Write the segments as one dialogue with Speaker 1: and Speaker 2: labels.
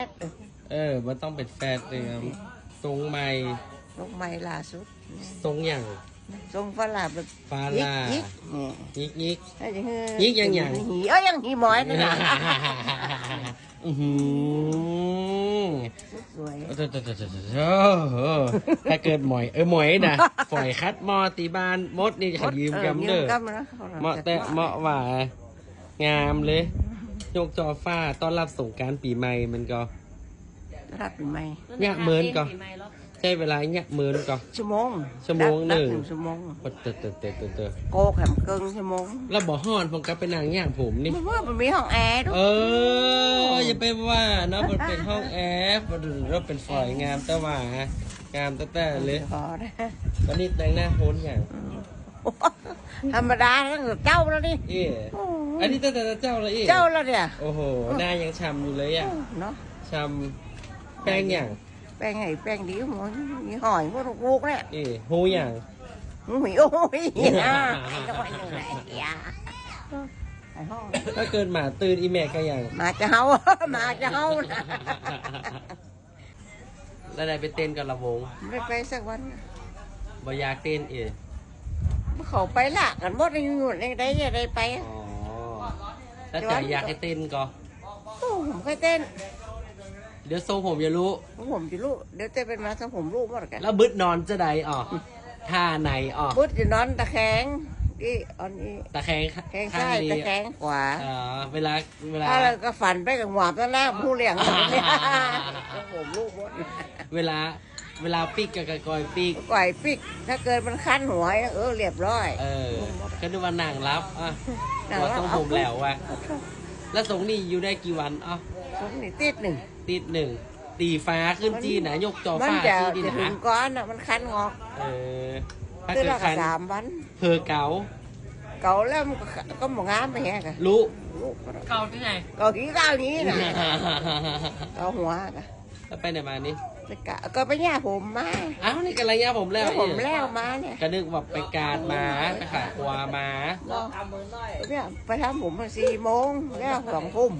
Speaker 1: มันต้องเป็นแฟนเลยทรงใหม่
Speaker 2: ทรงใหม่ล่าสุด
Speaker 1: ทรงอย่าง
Speaker 2: ทรงฝรั่งแบบ
Speaker 1: ฟาลายิกยิก
Speaker 2: ยิกอย่างหียังหีหมอยนี่นะสวย
Speaker 1: ถ้าเกิดหมอยหมอยนะฝอยคัดมอตีบานมดนี่ขยืมกำเด้อเหมาะแต่เหมาะว่างามเลยยกจอฟ้าต้อนรับสงกรานต์ปีใหม่มันก็
Speaker 2: รับปีใหม่
Speaker 1: เนี่ยเมินก็ใช้เวลาเนี่ยเมินก็
Speaker 2: ชั่วโมง
Speaker 1: หนึ่ง
Speaker 2: ชั่วโมงโกแขมเกิงชั่วโมง
Speaker 1: แล้วบ่ฮ้อนผมก็ไปนั่งย่างผมนี่
Speaker 2: มันมีห้องแอร์ด้วย
Speaker 1: อย่าไปว่าเนาะมันเป็นห้องแอร์เราเป็นฝอยงามแต่ว่างามแต่เลยวันนี้แต่งหน้าโหนอย่าง
Speaker 2: ธรรมดาตั้งแต่เจ้าแล้วนี่
Speaker 1: อันนี้ตั้งแต่เจ้าแล้ว
Speaker 2: เจ้าแล้วเนี่ย
Speaker 1: โอ้โหหน้ายังช้ำอยู่เลยอ่ะ
Speaker 2: เนาะ
Speaker 1: ช้ำแป้งอย่าง
Speaker 2: แป้งไงแป้งดีหมดมีหอยพวกลูกเนี่ย
Speaker 1: หูอย่าง
Speaker 2: หูโอ้ย
Speaker 1: ถ้าเกินหมาตื่นอีแม่ก็อย่าง
Speaker 2: มาจะเฮามาจะเฮา
Speaker 1: แล้วได้ไปเต้นกับระวง
Speaker 2: ไม่ไปสักวัน
Speaker 1: บ่อยากเต้น
Speaker 2: เขาไปละกันหมดยังอยู่ในได้ยังได้ไป
Speaker 1: แล้วใจอยากให้เต้นก็
Speaker 2: ผมเคยเต้น
Speaker 1: เดี๋ยวทรงผมจะรู้
Speaker 2: ผมจะรู้เดี๋ยวเต้นเป็นมาทรงผมรู้หมดกัน
Speaker 1: แล้วบึดนอนจะได้ท่าไหน
Speaker 2: บึดจะนอนตะแคงนี่อันนี้
Speaker 1: ตะแคง
Speaker 2: ซ้ายตะแคงขวา
Speaker 1: เวลา
Speaker 2: ถ้าเราก็ฝันไปกับหวาบตะหน้าผู้เลี้ยงผมรู้หมด
Speaker 1: เวลาปิกกับกอยปิก
Speaker 2: ถ้าเกิดมันคันหัวเรียบร้อย
Speaker 1: ก็ดูว่านั่งรับว่าทรงผมแล้วว่ะแล้วทรงนี่อยู่ได้กี่วัน
Speaker 2: ทรงนี่ติดหนึ่ง
Speaker 1: ตีฟ้าขึ้นจีนะยกจอฟ้าจีดีนะ
Speaker 2: ถึงก้อนมันคันงอก
Speaker 1: ถ้าเกิดคัน
Speaker 2: 3 วัน
Speaker 1: เพอเก่า
Speaker 2: แล้วมันก็หมองามไปแฮะกัน
Speaker 1: รู้เก่าที่ไหน
Speaker 2: เก่าที่เก่านี้นะเก่าหัวกัน
Speaker 1: แล้วไปไหนมานี่
Speaker 2: ก็ไปย่าผมมา
Speaker 1: นี่กันอะไรย่าผมแล้ว
Speaker 2: มาเนี่ย
Speaker 1: ก็นึกว่าไปการมาไปขายกัวมา
Speaker 2: เนี่ยไปทำผม4 โมงแล้ว2 ทุ่ม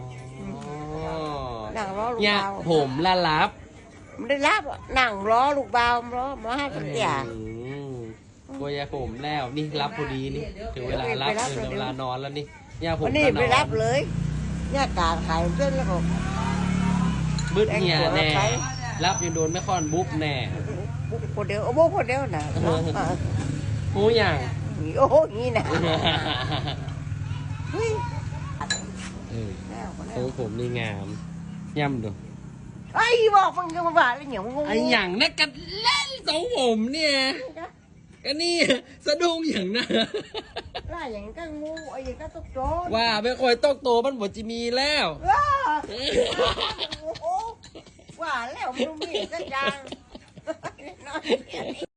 Speaker 2: นั่งรอลูกบ่าว
Speaker 1: ผมละรับ
Speaker 2: ไม่ได้รับนั่งรอลูกบ่าวรอมาให้ตั้งแต่
Speaker 1: กัวยาผมแล้วนี่รับพอดีนี่ถึงเวลารับถึงเวลานอนแล้วนี่ย่าผม
Speaker 2: นี่ไปรับเลยย่ากาขายเส้นแล้วก็
Speaker 1: บึ้ดเหี่ยแน่รับยังโดนไม่ค่อนบุ๊บแน่
Speaker 2: บุ๊บคนเดียวบุ๊บคนเดียวนะ
Speaker 1: หูอย่าง
Speaker 2: โอ้โหงี้นะ
Speaker 1: ทรงผมนี่งามย่ำดู
Speaker 2: ไอ้บอกมึงก็มาบ้าอะไรอย่างง
Speaker 1: ไอ้อย่างนักกันเล่นทรงผมเนี่ยก็นี่สะดุ้งอย่างนั้น
Speaker 2: ล่าอย่างก็งูไอ้อย่างก็ตกโจร
Speaker 1: ว่าไม่ค่อยตกโตมันหมดจะมีแล้ว
Speaker 2: ว่าแล้วมันมีสักอย่าง